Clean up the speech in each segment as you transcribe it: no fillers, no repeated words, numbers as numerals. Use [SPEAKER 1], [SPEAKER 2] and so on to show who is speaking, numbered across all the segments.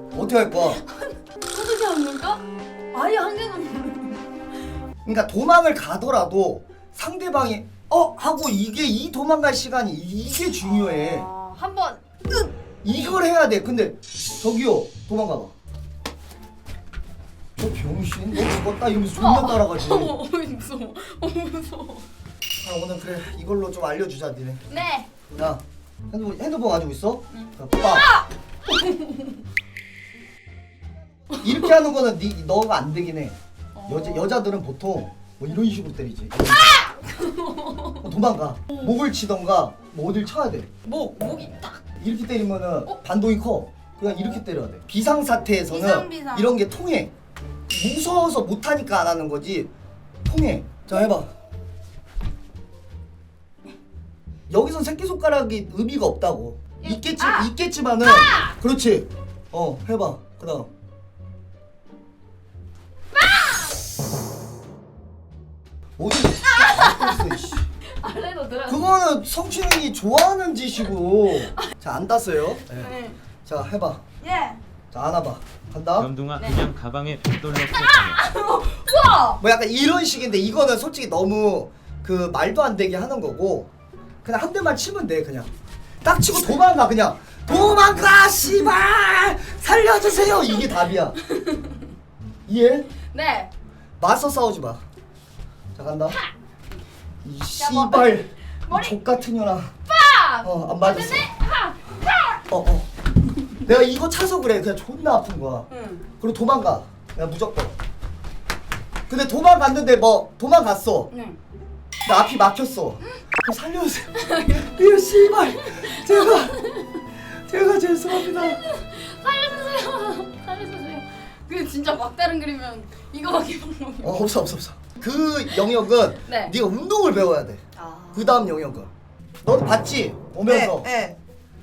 [SPEAKER 1] 어떻게 할 거야?
[SPEAKER 2] 어떻게 안 놀까? 아예 한 개는
[SPEAKER 1] 그러니까 도망을 가더라도 상대방이 하고 이 도망갈 시간이 이게 중요해.
[SPEAKER 2] 한번
[SPEAKER 1] 이걸 해야 돼. 근데 저기요 도망가봐. 저 병신 너 죽었다 이러면서 존나 따라가지.
[SPEAKER 2] 무서워. 무서워.
[SPEAKER 1] 오늘 그래 이걸로 좀 알려주자 니네.
[SPEAKER 2] 네.
[SPEAKER 1] 야 핸드폰 가지고 있어?
[SPEAKER 2] 응.
[SPEAKER 1] 자, 빠. 이렇게 하는 거는 너가 안 되긴 해. 여자들은 보통 뭐 이런 식으로 때리지. 도망가. 목을 치던가 뭐 어딜 쳐야 돼.
[SPEAKER 2] 목이 딱.
[SPEAKER 1] 이렇게 때리면은 반동이 커. 그냥 이렇게 때려야 돼. 비상 사태에서는
[SPEAKER 2] 비상.
[SPEAKER 1] 이런 게 통해. 무서워서 못 하니까 안 하는 거지. 통해. 자 해봐. 여기선 새끼손가락이 의미가 없다고. 있겠지만은. 그렇지. 해봐. 그다음. 어디?
[SPEAKER 2] 아래로 들어.
[SPEAKER 1] 그거는 성추행이 좋아하는 짓이고. 자 안 땄어요. 네.
[SPEAKER 2] 네.
[SPEAKER 1] 자 해봐.
[SPEAKER 2] 예.
[SPEAKER 1] 자 안아봐. 간다.
[SPEAKER 3] 염둥아
[SPEAKER 2] 네.
[SPEAKER 3] 그냥 가방에 벽돌 넣고
[SPEAKER 2] 우와.
[SPEAKER 1] 뭐 약간 이런 식인데 이거는 솔직히 너무 그 말도 안 되게 하는 거고 그냥 한 대만 치면 돼. 그냥 딱 치고 도망가. 그냥 도망가 씨발 살려주세요 이게 답이야. 이해?
[SPEAKER 2] 네.
[SPEAKER 1] 맞서 싸우지 마. 자 간다. 이
[SPEAKER 2] 뭐,
[SPEAKER 1] 씨발
[SPEAKER 2] 머리.
[SPEAKER 1] 족 같은 년아.
[SPEAKER 2] 빡.
[SPEAKER 1] 안 맞았어. 내가 이거 차서 그래. 그냥 존나 아픈 거야.
[SPEAKER 2] 응.
[SPEAKER 1] 그리고 도망가. 그냥 무조건. 근데 도망갔는데 뭐 도망갔어.
[SPEAKER 2] 응.
[SPEAKER 1] 나 앞이 막혔어. 그럼 살려주세요. 이거 씨발 제가 죄송합니다.
[SPEAKER 2] 살려주세요. 그 진짜 막다른 그리면 이거밖에 방법이.
[SPEAKER 1] 없어. 그 영역은
[SPEAKER 2] 네.
[SPEAKER 1] 네가 운동을 배워야 돼. 그 다음 영역은 너도 봤지? 오면서
[SPEAKER 4] 네.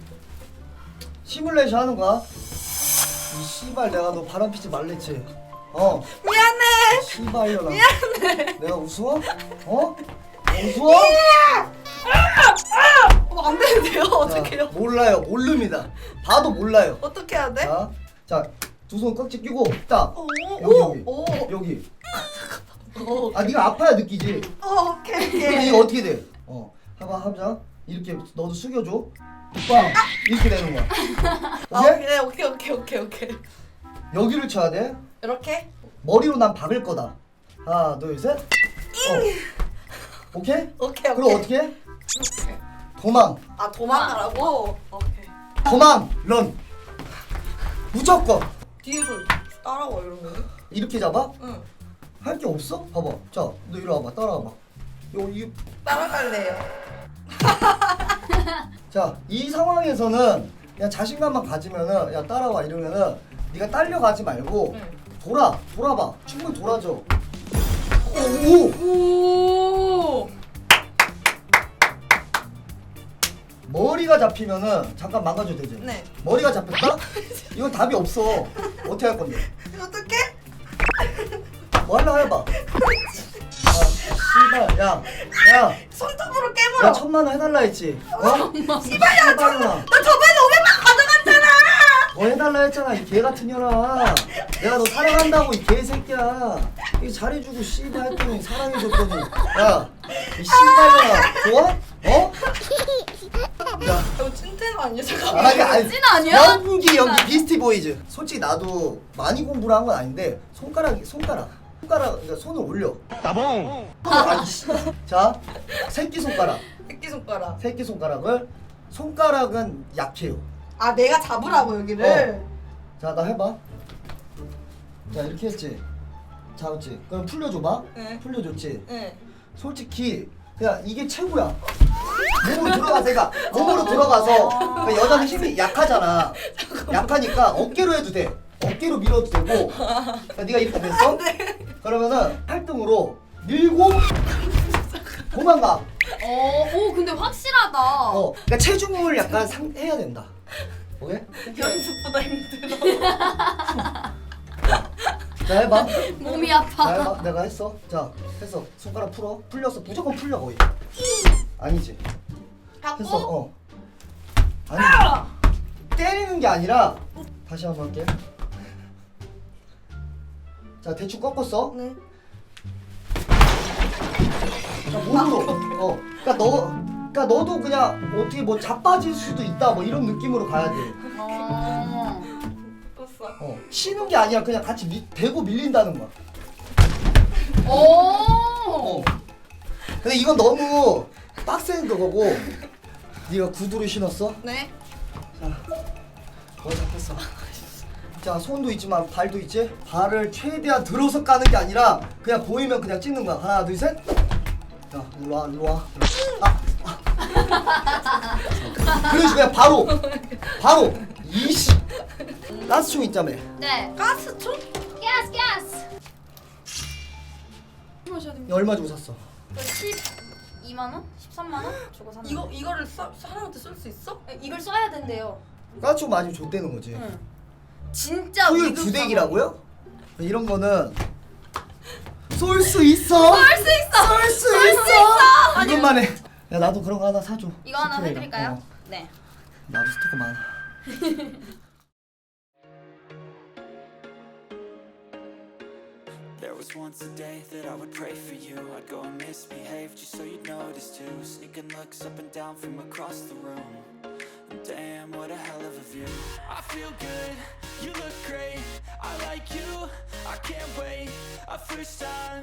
[SPEAKER 1] 시뮬레이션 하는 거야. 이 씨발 내가 너 바람 피지 말랬지.
[SPEAKER 4] 미안해.
[SPEAKER 1] 씨발려라. 미안해. 내가 우스워? 우스워?
[SPEAKER 4] 안 되는데요?
[SPEAKER 1] 자,
[SPEAKER 4] 어떡해요?
[SPEAKER 1] 몰라요. 모릅니다. 봐도 몰라요.
[SPEAKER 4] 어떻게 해야 돼?
[SPEAKER 1] 자, 두 손 깍지 끼고 딱 여기. 여기. 네가 아파야 느끼지.
[SPEAKER 4] 오케이.
[SPEAKER 1] 근데 이거 어떻게 돼? 하자. 이렇게 너도 숙여줘. 빵 이렇게 되는 거야.
[SPEAKER 4] 오케이.
[SPEAKER 1] 여기를 쳐야 돼.
[SPEAKER 4] 이렇게?
[SPEAKER 1] 머리로 난 박을 거다. 하나, 둘, 셋. 오케이?
[SPEAKER 4] 오케이.
[SPEAKER 1] 그럼 어떻게 해? 도망.
[SPEAKER 4] 도망가라고? 오케이.
[SPEAKER 1] 도망. 런. 무조건.
[SPEAKER 4] 뒤에서 따라와 이러면?
[SPEAKER 1] 이렇게 잡아?
[SPEAKER 4] 응.
[SPEAKER 1] 할 게 없어? 봐봐. 자, 너 이리 와봐. 따라와봐.
[SPEAKER 4] 따라갈래요.
[SPEAKER 1] 자, 이 상황에서는 그냥 자신감만 가지면은 야 따라와 이러면은 네가 딸려가지 말고 돌아봐. 충분히 돌아줘. 오. 머리가 잡히면은 잠깐 망가져도 되지.
[SPEAKER 4] 네.
[SPEAKER 1] 머리가 잡혔다? 이건 답이 없어. 어떻게 할 건데?
[SPEAKER 4] 어떡해?
[SPEAKER 1] 뭐 할라 해봐. 씨발, 야,
[SPEAKER 4] 손톱으로
[SPEAKER 1] 야
[SPEAKER 4] 깨물어.
[SPEAKER 1] 1,000만 원 해달라 했지.
[SPEAKER 4] 씨발야, 나 저번에 500만 가져갔잖아.
[SPEAKER 1] 더 해달라 했잖아 이 개 같은 년아. 내가 너 사랑한다고 이 개새끼야. 이 잘해주고 씨발 했더니 사랑해줬더니 야이 씨발년아 좋아? 야
[SPEAKER 4] 이거 찐텐 아니야? 잠깐만.
[SPEAKER 1] 아니
[SPEAKER 2] 찐 아니야?
[SPEAKER 1] 연기 비스티 보이즈. 솔직히 나도 많이 공부를 한 건 아닌데 손가락 그러니까 손을 올려.
[SPEAKER 3] 따봉
[SPEAKER 1] 아니 씨. 자 새끼손가락.
[SPEAKER 4] 새끼손가락.
[SPEAKER 1] 손가락은 약해요.
[SPEAKER 4] 내가 잡으라고 여기를.
[SPEAKER 1] 자 나 해봐. 자 이렇게 했지. 잡았지. 그럼 풀려줘봐.
[SPEAKER 4] 네.
[SPEAKER 1] 풀려줬지.
[SPEAKER 4] 네.
[SPEAKER 1] 솔직히 그냥 이게 최고야. 몸으로 들어가서 몸으로 들어가서 그러니까 여자는 힘이 약하잖아. 약하니까 어깨로 해도 돼. 어깨로 밀어도 되고. 그러니까 네가 이렇게 됐어? 그러면은 팔등으로 밀고 도망가.
[SPEAKER 2] 오 근데 확실하다.
[SPEAKER 1] 그러니까 체중을 약간 해야 된다. 오케이?
[SPEAKER 4] 연습보다 힘들어.
[SPEAKER 1] 자 해봐.
[SPEAKER 2] 몸이
[SPEAKER 1] 자
[SPEAKER 2] 아파.
[SPEAKER 1] 해봐. 내가 했어. 자 했어. 손가락 풀어. 풀렸어. 무조건 풀려 거의. 아니지. 했어. 아니 때리는 게 아니라 다시 한번 할게. 자 대충 꺾었어.
[SPEAKER 4] 네.
[SPEAKER 1] 자, 몸으로. 그러니까 너도 그냥 어떻게 뭐 자빠질 수도 있다 뭐 이런 느낌으로 가야 돼.
[SPEAKER 4] 떴어.
[SPEAKER 1] 치는 게 아니라 그냥 같이 대고 밀린다는 거야.
[SPEAKER 2] 오.
[SPEAKER 1] 근데 이건 너무 빡센 거고. 네가 구두를 신었어?
[SPEAKER 4] 네.
[SPEAKER 1] 자, 거의 잡혔어. 자, 손도 있지만 발도 있지? 발을 최대한 들어서 까는 게 아니라 그냥 보이면 그냥 찍는 거야. 하나, 둘, 셋. 자, 일로 와, 일로 와. 그러지 그냥 바로. 이씨. 가스총 있자며.
[SPEAKER 2] 네.
[SPEAKER 4] 가스총?
[SPEAKER 2] 가스.
[SPEAKER 4] 마셔야 됩니다.
[SPEAKER 1] 얼마 주고 샀어?
[SPEAKER 2] 12만 원? 13만 원 주고 샀는데.
[SPEAKER 4] 이거를 사람한테 쓸 수 있어?
[SPEAKER 2] 이걸 써야 된대요.
[SPEAKER 1] 가스총 맞으면 좆되는 거지.
[SPEAKER 2] 응. 진짜
[SPEAKER 1] 소유
[SPEAKER 2] 위급
[SPEAKER 1] 부대기라고요? 이런 거는 쏠 수 있어. 쏠 수 있어. 이것만 해. 야 나도 그런 거 하나 사줘.
[SPEAKER 2] 이거 하나
[SPEAKER 1] 스프레이랑.
[SPEAKER 2] 해드릴까요? 네.
[SPEAKER 1] 나도 스티커 많아.
[SPEAKER 5] There was once a day that I would pray for you. I'd go and misbehave just so you'd notice too. Sneaking looks up and down from across the room. And damn, what a hell of a view. I feel good, you look great. I like you, I can't wait. A first time